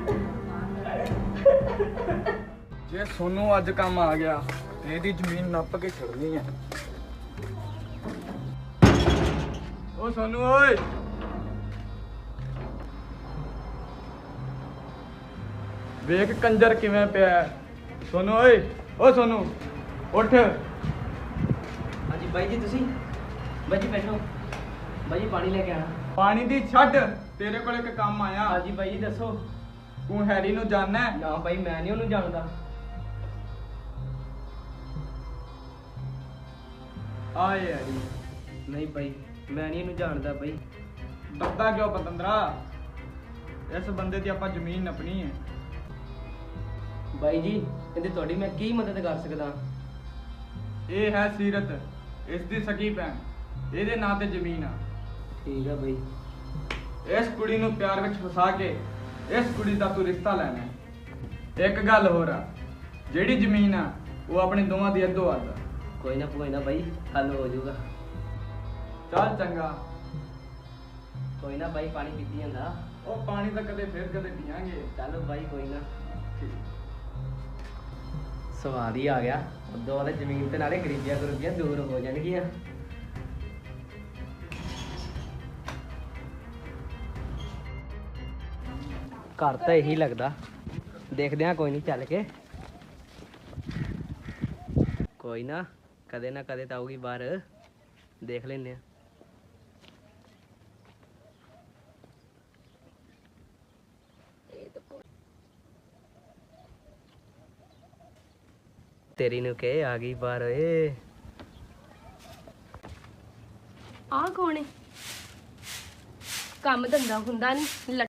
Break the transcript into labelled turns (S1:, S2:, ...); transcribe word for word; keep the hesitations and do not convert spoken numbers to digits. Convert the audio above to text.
S1: ਜੇ ਸੋਨੂੰ ਅੱਜ ਕੰਮ ਆ ਗਿਆ ਤੇ ਇਹਦੀ ਜ਼ਮੀਨ ਨੱਪ ਕੇ ਛੱਡਣੀ ਹੈ। ਓ ਸੋਨੂੰ ਓਏ, ਵੇਖ ਕੰਜਰ ਕਿਵੇਂ ਪਿਆ ਹੈ। ਸੋਨੂੰ ਓਏ, ਓ ਸੋਨੂੰ ਉੱਠ।
S2: ਹਾਂਜੀ ਬਾਈ ਜੀ, ਤੁਸੀਂ ਬਾਈ ਜੀ ਬੈਠੋ। ਬਾਈ ਜੀ ਪਾਣੀ ਲੈ ਕੇ ਆਣਾ।
S1: ਪਾਣੀ ਦੀ ਛੱਡ, ਤੇਰੇ ਕੋਲ ਇੱਕ ਕੰਮ ਆਇਆ।
S2: ਹਾਂਜੀ ਬਾਈ ਜੀ ਦੱਸੋ।
S1: ਤੂੰ ਹੈਰੀ ਨੂੰ ਜਾਣਦਾ ਹੈ?
S2: ਨਾ ਬਾਈ ਮੈਂ ਨਹੀਂ ਉਹਨੂੰ ਜਾਣਦਾ।
S1: ਆ ਯਾਰੀ
S2: ਨਹੀਂ ਬਾਈ ਮੈਂ ਨਹੀਂ ਇਹਨੂੰ ਜਾਣਦਾ ਬਾਈ।
S1: ਡਰਦਾ ਕਿਉਂ ਪਤੰਦਰਾ? ਇਸ ਬੰਦੇ ਦੀ ਆਪਾਂ ਜ਼ਮੀਨ ਨੱਪਣੀ ਹੈ।
S2: ਬਾਈ ਜੀ ਇਹਦੀ ਤੁਹਾਡੀ ਮੈਂ ਕੀ ਮਦਦ ਕਰ ਸਕਦਾ?
S1: ਇਹ ਹੈ ਸੀਰਤ, ਇਸ ਦੀ ਸਕੀ ਭੈਣ। ਇਹਦੇ ਨਾਂ ਤੇ ਜ਼ਮੀਨ ਆ।
S2: ਠੀਕ ਆ ਬਾਈ।
S1: ਇਸ ਕੁੜੀ ਨੂੰ ਪਿਆਰ ਵਿੱਚ ਫਸਾ ਕੇ ਇਸ ਕੁੜੀ ਦਾ ਤੂੰ ਰਿਸ਼ਤਾ ਲੈਣਾ ਹੈ। ਇੱਕ ਗੱਲ ਹੋਰ ਆ, ਜਿਹੜੀ ਜ਼ਮੀਨ ਆ ਉਹ ਆਪਣੇ ਦੋਵਾਂ ਦੀ ਅੱਧੋ ਅੱਧ ਆ।
S2: ਕੋਈ ਨਾ ਕੋਈ ਨਾ ਬਾਈ, ਹੱਲ ਹੋ ਜਾਊਗਾ।
S1: ਚੱਲ ਚੰਗਾ।
S2: ਕੋਈ ਨਾ ਬਾਈ, ਪਾਣੀ ਪੀਤੀ ਜਾਂਦਾ।
S1: ਉਹ ਪਾਣੀ ਤਾਂ ਕਦੇ ਫੇਰ ਕਦੇ ਪੀਾਂਗੇ।
S2: ਚਲੋ ਬਾਈ ਕੋਈ ਨਾ। ਸਵਾਦ ਹੀ ਆ ਗਿਆ। ਉਦੋਂ ਵਾਲੇ ਜ਼ਮੀਨ ਤੇ ਨਾਲੇ ਗਰੀਬੀਆਂ ਗਰੀਬੀਆਂ ਦੂਰ ਹੋ ਜਾਣਗੀਆਂ। ਘਰ ਤਾਂ ਇਹੀ ਲੱਗਦਾ। ਦੇਖਦੇ ਆ ਕੋਈ ਨਹੀਂ, ਚੱਲ ਕੇ। ਕੋਈ ਨਾ, ਕਦੇ ਨਾ ਕਦੇ ਤਾਂ ਆਊਗੀ ਬਾਹਰ, ਦੇਖ ਲੈਨੇ ਆ। ਤੇਰੀ ਨੂੰ ਕਹੇ ਆ ਗਈ ਬਾਹਰ ਓਏ।
S3: ਆਹ ਕੌਣ ਹੈ? ਕੰਮ ਧੰਦਾ ਹੁੰਦਾ ਨਹੀਂ।